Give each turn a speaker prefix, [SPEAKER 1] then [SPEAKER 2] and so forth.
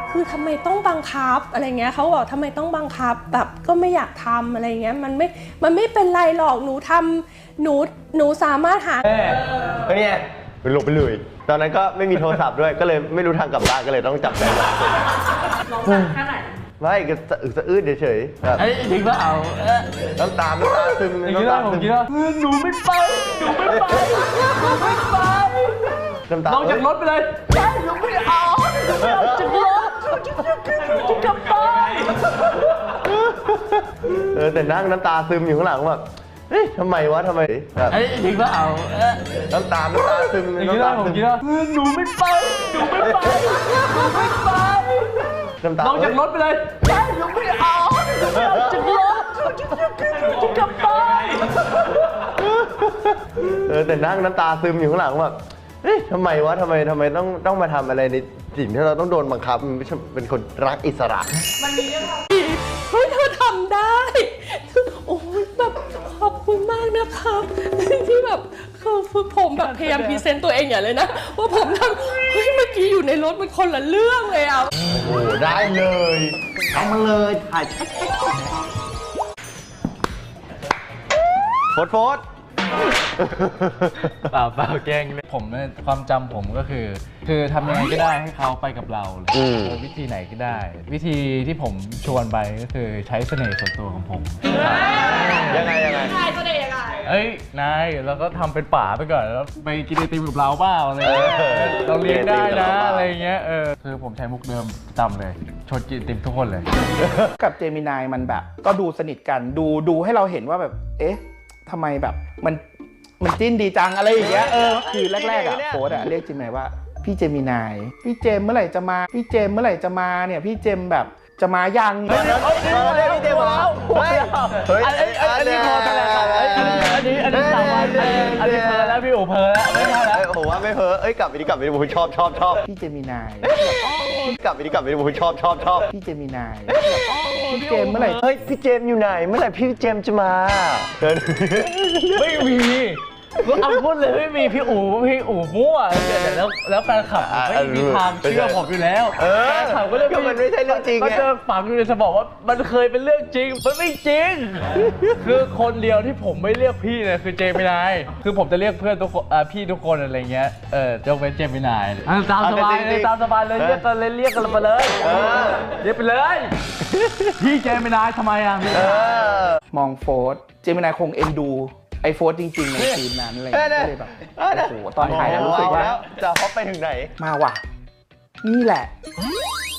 [SPEAKER 1] คือทำไมต้องบังคับอะไรเงี้ยเขาบอกทำไมต้องบังคับแบบก็ไม่อยากทำอะไรเงี้ยมันไม่เป็นไรหรอกหนูทำหนูสามารถหา
[SPEAKER 2] เนี่ยไปหลบไปเลยตอนนั้นก็ไม่มีโทรศัพท์ด้วยก็เลยไม่รู้ทางกลับบ้านก็เลยต้องจับใจลองแค่ไหนไม่ก็สะอื้นเฉยๆแบบ
[SPEAKER 3] จริงป่ะเอา
[SPEAKER 2] น้ำตาซึมน้ำตาซึม
[SPEAKER 3] หนูไม่ไปลงจากรถไปเลยใช่หนูไม่เอาจากรถจะกลับบ้าน
[SPEAKER 2] แต่นั่งน้ำตาซึมอยู่ข้างหลังแบบเฮ้ยทำไมวะทำไมแบบ
[SPEAKER 3] จริงป่ะเอา
[SPEAKER 2] น้ำตาซึมน้ำตาซึม
[SPEAKER 3] หนูไม่ไปลงจากรถไปเลยใช่หนูไม่เอาจากรถจะกลับบ้าน
[SPEAKER 2] แต่นั่งน้ำตาซึมอยู่ข้างหลังแบบเฮ้ยทำไมวะทำไมต้องมาทำอะไรในสิ่งที่เราต้องโดนบังคับมันไม่ใช่เป็นคนรักอิสระ
[SPEAKER 1] มันมีเรื่องเฮ้ยเธอทำได้โอ้ยแบบขอบคุณมากนะครับที่แบบคือผมแบบพยายามพรีเซนต์ตัวเองอย่างเลยนะว่าผมทำเฮ้ยเมื่อกี้อยู่ในรถมันคนละเรื่องเลยอ่ะ
[SPEAKER 2] โอ้โหได้เลยเอามาเลยถ่ายโฟด
[SPEAKER 3] เปล่าแกล้งผมความจำผมก็คือทำยังไงก็ได้ให้เขาไปกับเราเลยวิธีไหนก็ได้ วิธีที่ผมชวนไปก็คือใช้เสน่ห์ส่วนตัวของผม
[SPEAKER 2] ยังไง
[SPEAKER 1] ใช่เสน่ห์ยังไง
[SPEAKER 3] นายเราก็ทำเป็นป่าไปก่อนแล้วไปกินไอติมกับเราเปล่าอะไรเงี้ยเราเลี้ยงได้นะอะไรเงี้ยคือผมใช้มุกเดิมจำเลยชวนกินไอติมทุกคนเลย
[SPEAKER 4] กับเจมินายมันแบบก็ดูสนิทกันดูให้เราเห็นว่าแบบเอ๊ะทำไมแบบมันจิ้นดีจังอะไรอย่างเงี้ยคือแรกๆโค้ดเรียกเจมินายว่าพี่เจมินายพี่เจมเมื่อไหร่จะมาพี่เจมเมื่อไหร่จะมาเนี่ยพี่เจมแบบจะมายัง
[SPEAKER 2] เรียกพี่เจมมาเฮ้ย
[SPEAKER 3] อันนี้พอแต่อันนี้สามวันอันนี้เพลแล้วพี่โอเพลแล้วไม่ใช่แล้ว
[SPEAKER 2] ผมว่าไม่เพลกลับไปดิผมชอบ
[SPEAKER 4] พี่เจมินาย
[SPEAKER 2] กลับไปดิผมชอบ
[SPEAKER 4] พี่เจมินายพี่เจมเมื่อไหร่
[SPEAKER 2] เฮ้ยพี่เจมอยู่ไหนเมื่อไหร่พี่เจมจะมา
[SPEAKER 3] ไม่มีเอาพูดเลยไม่มีพี่อู๋มั่วแล้วแฟนคลับไม่มีทางเชื่อผมอยู่แล้วแฟนคลับก็เรื่อง
[SPEAKER 2] มันไม่ใช่เรื่องจริง
[SPEAKER 3] มันจะฝังอยู่ในสมองว่ามันเคยเป็นเรื่องจริงมันไม่จริงคือคนเดียวที่ผมไม่เรียกพี่เนี่ยคือเจมินายคือผมจะเรียกเพื่อนทุกคนพี่ทุกคนอะไรเงี้ยยกเว้นเจมินายตามสบายเลยเรียกกันไปเลยเรียกไปเลยพี่เจมินายทำไมอ่ะ
[SPEAKER 4] มองโฟร์เจมินายคงเอ็นดูไอโฟร์จริงๆในทีมนั้นอะไรก็เลยแบบโอ้โหตอนถ่ายแล้วรู้สึกว่า
[SPEAKER 2] จะฮอปไปถึงไหน
[SPEAKER 4] มาว่ะนี่แหละ